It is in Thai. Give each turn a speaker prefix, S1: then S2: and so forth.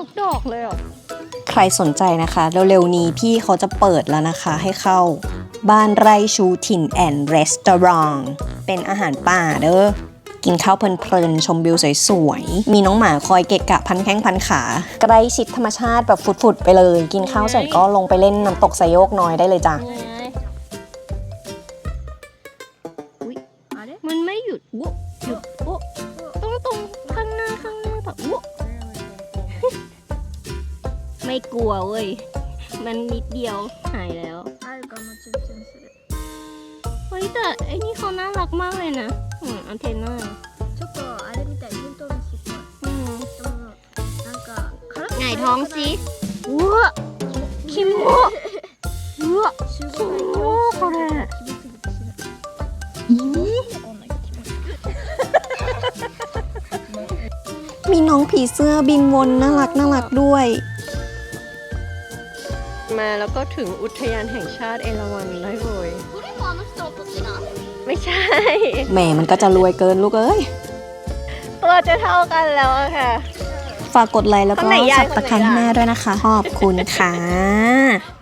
S1: ทุกดอกเลยอ่ะใครสนใจนะคะเร็วๆนี้พี่เขาจะเปิดแล้วนะคะให้เข้าบ้านไร่ชูถิ่นแอนด์รีสตอรองเป็นอาหารป่าเด้อกินข้าวเพลินๆชมวิวสวยๆมีน้องหมาคอยเกะกะพันแข้งพันขาใกล้ชิดธรรมชาติแบบฟุดๆไปเลยกินข้าวเสร็จก็ลงไปเล่นน้ำตกไซโยกน้อยได้เลยจ้ะ
S2: มันไม่หยุดวุหยุดวุตรงข้างหน้าแบบวุไม่กลัวเว้ย มันนิดเดียวหายแล้วเฮ้ยแต่ไอ้นี่เขาน่ารักมากเลยนะอันเทนน่าไงท้องสิวัวคิมโมวัวคิมโมこれ
S1: มีน้องผีเสื้อบินวนน่ารักด้วยมาแล้วก็ถึงอุทยานแห่งชาติเอราวัณได้เลยไม่ใช่แหมมันก็จะรวยเกินลูกเอ้ยตัวจะเท่ากันแล้วค่ะฝากกดไลค์แล้วก็สับตะไคร้ให้แม่ด้วยนะคะขอบคุณค่ะ